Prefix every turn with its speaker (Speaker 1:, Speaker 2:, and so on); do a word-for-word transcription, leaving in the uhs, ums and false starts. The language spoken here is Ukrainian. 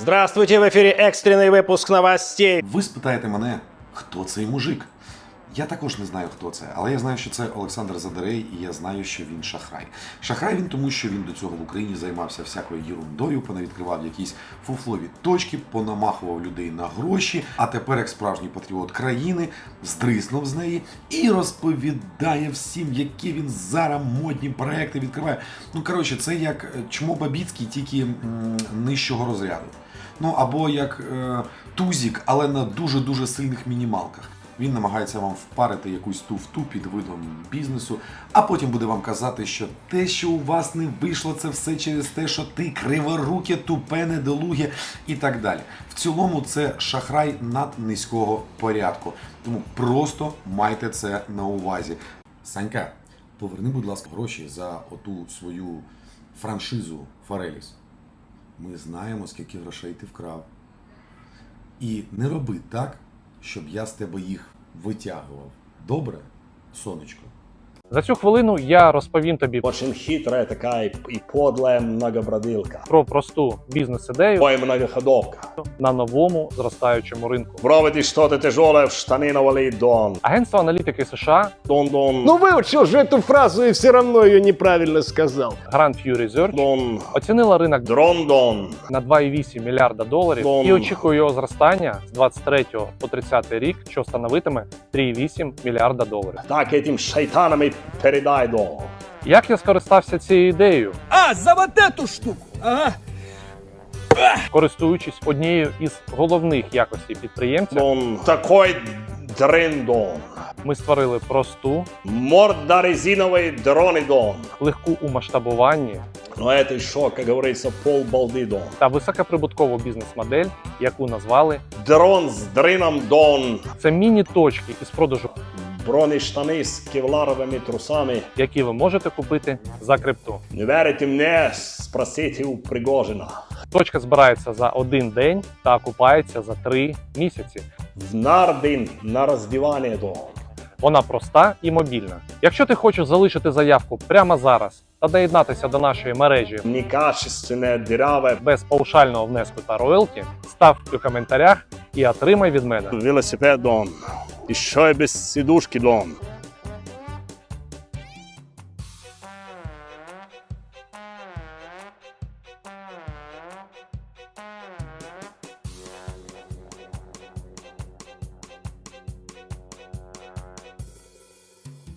Speaker 1: Здравствуйте, в ефірі екстрений випуск новостей.
Speaker 2: Ви спитаєте мене, хто цей мужик? Я також не знаю, хто це, але я знаю, що це Олександр Задерей, і я знаю, що він шахрай. Шахрай він тому, що він до цього в Україні займався всякою єрундою, понавідкривав якісь фуфлові точки, понамахував людей на гроші, а тепер, як справжній патріот країни, здриснув з неї і розповідає всім, які він зараз модні проекти відкриває. Ну, коротше, це як Чмо Бабіцький, тільки м, нижчого розряду. Ну, або як е, Тузік, але на дуже-дуже сильних мінімалках. Він намагається вам впарити якусь туфту під видом бізнесу, а потім буде вам казати, що те, що у вас не вийшло, це все через те, що ти криворуке, тупе, недолуге і так далі. В цілому це шахрай наднизького порядку. Тому просто майте це на увазі. Санька, поверни, будь ласка, гроші за оту свою франшизу Фореліс. Ми знаємо, скільки грошей ти вкрав. І не роби так, щоб я з тебе їх витягував. Добре, сонечко?
Speaker 3: За цю хвилину я розповім тобі
Speaker 4: Очень хитрая такая и подлая многобродилка.
Speaker 3: про просту бізнес-ідею
Speaker 4: Ой, многоходовка.
Speaker 3: на новому зростаючому ринку.
Speaker 4: Брови ты что-то тяжелое в штаны навали, Дон.
Speaker 3: Агентство аналітики США
Speaker 4: Дон, Дон.
Speaker 1: Ну выучил же эту фразу и все равно ее неправильно сказал.
Speaker 3: Grand View Research
Speaker 4: Дон.
Speaker 3: оцінила ринок
Speaker 4: Дрон, Дон.
Speaker 3: на два цілих вісім мільярда доларів
Speaker 4: Дон.
Speaker 3: і очікує його зростання з двадцять третього по тридцятий рік, що становитиме три цілих вісім мільярда доларів.
Speaker 4: Так этим шайтанам и передай, Дон.
Speaker 3: Як я скористався цією ідеєю?
Speaker 5: А, за вот эту штуку. Ага.
Speaker 3: Користуючись однією із головних якостей підприємця,
Speaker 4: Дон. Такой дрын, Дон.
Speaker 3: ми створили просту,
Speaker 4: Морда резиновой дроны, Дон.
Speaker 3: легку у масштабуванні
Speaker 4: Но это еще, как говорится, полбалды, Дон.
Speaker 3: та високоприбуткову бізнес-модель, яку назвали
Speaker 4: Дрон с дрыном, Дон.
Speaker 3: це міні-точки із продажу,
Speaker 4: Бронештаны с кевларовыми трусами.
Speaker 3: які ви можете купити за крипту.
Speaker 4: Не верите мне? Спросите у Пригожина.
Speaker 3: Точка збирається за один день та окупається за три місяці.
Speaker 4: В Нардин на роздівання, Дон.
Speaker 3: Вона проста і мобільна. Якщо ти хочеш залишити заявку прямо зараз та доєднатися до нашої мережі
Speaker 4: Некачественне, дыряве.
Speaker 3: без паушального внеску та роялті, став у коментарях і отримай від мене
Speaker 4: Велосипед, Дон. Еще и без сидушки, Дон.